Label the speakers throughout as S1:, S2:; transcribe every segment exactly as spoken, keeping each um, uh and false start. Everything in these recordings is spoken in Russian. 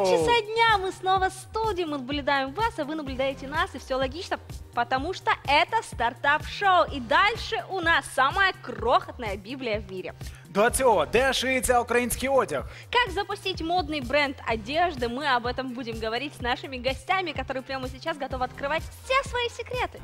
S1: часа дня, мы снова в студии, мы наблюдаем вас, а вы наблюдаете нас, и все логично, потому что это стартап-шоу. И дальше у нас самая крохотная Библия в мире.
S2: До цього, де шиється український одяг?
S1: Как запустить модный бренд одежды, мы об этом будем говорить с нашими гостями, которые прямо сейчас готовы открывать все свои секреты.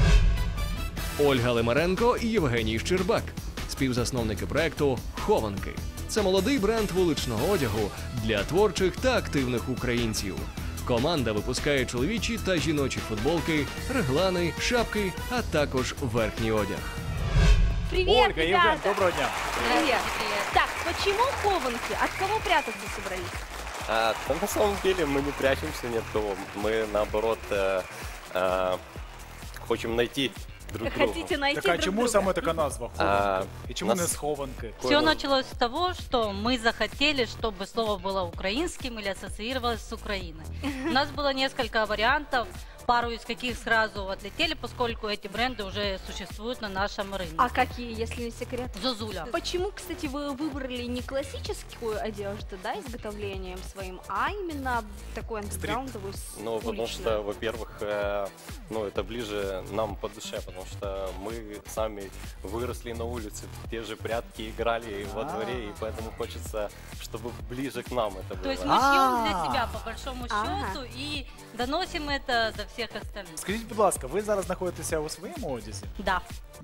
S3: Ольга Лимаренко і Євгеній Щербак, співзасновники проекту «Хованки». Це молодий бренд вуличного одягу для творчих та активних українців. Команда випускає чоловічі та жіночі футболки, реглани, шапки, а також верхній одяг.
S1: Привет,
S2: Ольга, Евген,
S1: ребята!
S2: доброго дня.
S1: Привет. Так, почему Хованки? От кого прятаться собрались?
S4: А, да, на самом деле мы не прячемся ни от кого. Мы наоборот э, э, хотим найти друг друга.
S1: Хотите найти
S2: Так а
S1: друг
S2: чому
S1: друга?
S2: саме така назва «Хованки»? І чому
S4: нас-
S2: не «Схованки»?
S5: Все началось с того, что мы захотели, чтобы слово было украинским или ассоциировалось с Украиной. У нас было несколько вариантов, пару из каких сразу отлетели, поскольку эти бренды уже существуют на нашем рынке.
S1: А какие, если не секрет?
S5: Зозуля.
S1: Почему, кстати, вы выбрали не классическую одежду, да, изготовлением своим, а именно такую андеграундовую, с-
S4: Ну, потому
S1: уличную?
S4: что, во-первых, э, ну, это ближе нам по душе, потому что мы сами выросли на улице, в те же прятки играли во дворе, и поэтому хочется, чтобы ближе к нам это было.
S5: То есть мы шьем для
S2: А.
S5: себя, по большому
S1: Ага.
S5: счету, и доносим это до всех остальных.
S2: Скажіть, будь ласка, ви зараз знаходитеся у своєму одязі?
S5: Да.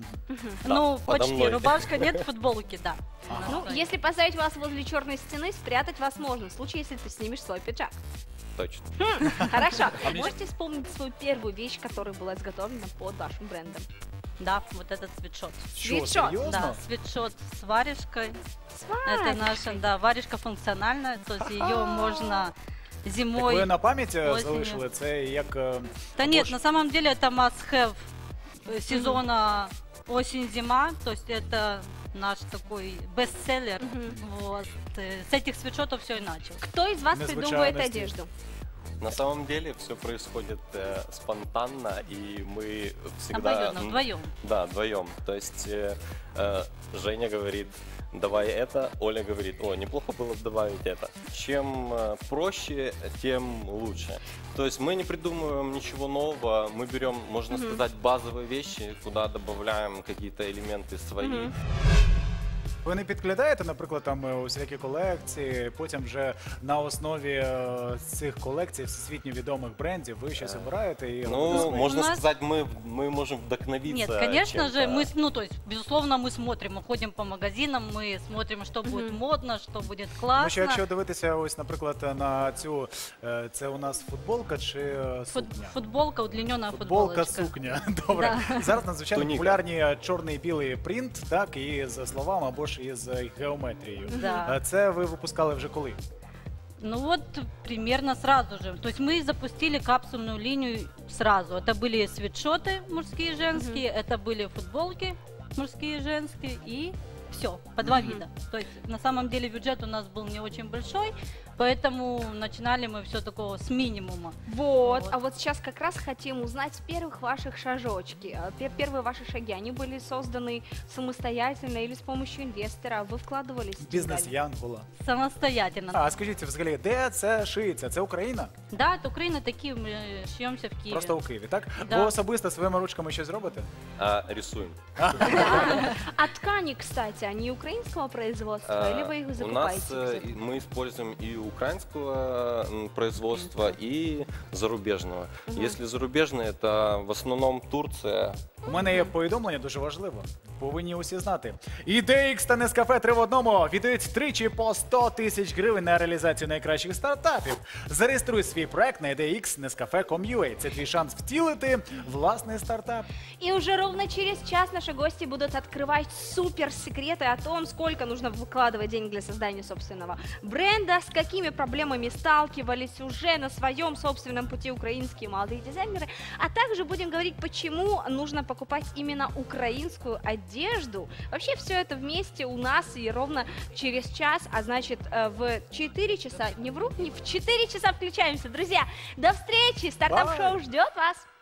S5: Ну,
S4: подо
S5: почти.
S4: мной.
S5: Рубашка, нет, футболки, да.
S1: Ну, если поставить вас возле черной стены, спрятать вас можно, в случае, если ты снимешь свой пиджак.
S4: Точно.
S1: Хорошо. Можете вспомнить свою первую вещь, которая была изготовлена под вашим брендом?
S5: Да, вот этот свитшот.
S2: Що,
S1: Світшот,
S2: серйозно?
S5: Да, свитшот с варежкой.
S1: С
S5: Это
S1: варежкой.
S5: наша, да, варежка функциональная, то есть ее можно
S2: Так
S5: зимой...
S2: ви на пам'ять е,
S5: осінню.
S2: залишили це як... е,
S5: Да
S2: або
S5: нет,
S2: ж-
S5: на самом деле это must-have э, сезона осень-зима, то есть это наш такой бестселлер. Вот. Э, С этих свитшотов все и началось.
S1: Кто из вас
S2: Незвычайно
S1: придумывает
S2: стиль.
S1: одежду?
S4: На самом деле все происходит э, спонтанно, и мы всегда...
S5: Обоюдно,
S4: м,
S5: вдвоем.
S4: Да, вдвоем. То есть э, э, Женя говорит, давай это, Оля говорит, о, неплохо было бы добавить это. Чем э, проще, тем лучше. То есть мы не придумываем ничего нового, мы берем, можно сказать, базовые вещи, куда добавляем какие-то элементы свои.
S1: Мгм.
S2: Ви не підглядаєте, наприклад, там е, усілякі колекції, потім вже на основі е, цих колекцій всесвітньо відомих брендів ви щось обираєте і робите
S4: Ну,
S2: своє?
S4: можно
S5: У нас-
S4: сказать, мы, мы можем вдохновиться.
S5: Нет, конечно же,
S4: чем-то.
S5: мы, с- ну, то есть, безусловно, мы смотрим, мы ходим по магазинам, мы смотрим, что будет модно, что будет
S2: Ну,
S5: классно.
S2: що якщо дивитися ось, наприклад, на цю, е, це у нас футболка чи е,
S5: Фут-
S2: сукня?
S5: футболка, удлиненная
S2: Футболка,
S5: футболочка.
S2: сукня. Добре. Зараз надзвичайно
S4: Туніка.
S2: популярні е, чорний і білий принт, так, і з словами або ж із е, геометрією.
S5: Да.
S2: Е, Це ви випускали вже коли?
S5: Ну вот примерно сразу же. То есть мы запустили капсульную линию сразу. Это были свитшоты мужские и женские, это были футболки мужские и женские и все, по два вида. То есть на самом деле бюджет у нас был не очень большой, поэтому начинали мы все такого с минимума.
S1: Вот.
S5: Вот.
S1: А вот сейчас как раз хотим узнать с первых ваших шажочки. А, пе- Первые ваши шаги, они были созданы самостоятельно или с помощью инвестора? Вы вкладывались? в
S2: Бізнес
S1: детали?
S2: Янгола.
S5: Самостоятельно.
S2: А скажіть, взагалі, де це шиється? Це Україна?
S5: Да, это Украина, такие мы шьемся в Киеве.
S2: Просто у Києві, так?
S5: Да.
S2: Ви особисто своїми ручками щось робите?
S4: А, рисуем.
S1: А ткани, кстати, они украинского производства или вы их
S4: А, У
S1: закупаете?
S4: нас э,
S1: где-то?
S4: и- мы используем и украинского м, производства, и зарубежного. Если зарубежное, это в основном Турция.
S2: У мене є повідомлення дуже важливо. Повинні усі знати. І ді ікс та Нескафе три в одному віддають тричі по сто тисяч гривень на реалізацію найкращих стартапів. Зареєструй свій проект на ай ді ікс нескафе крапка ком крапка ю а. Це твій шанс втілити власний стартап.
S1: И уже ровно через час наши гости будут открывать супер секреты о том, сколько нужно выкладывать денег для создания собственного бренда, с какими проблемами сталкивались уже на своем собственном пути украинские молодые дизайнеры, а также будем говорить, почему нужно покупать именно украинскую одежду. Вообще все это вместе у нас и ровно через час, а значит э, в четыре часа, не вру, не в четыре часа включаемся. Друзья, до встречи, стартап-шоу ждет вас.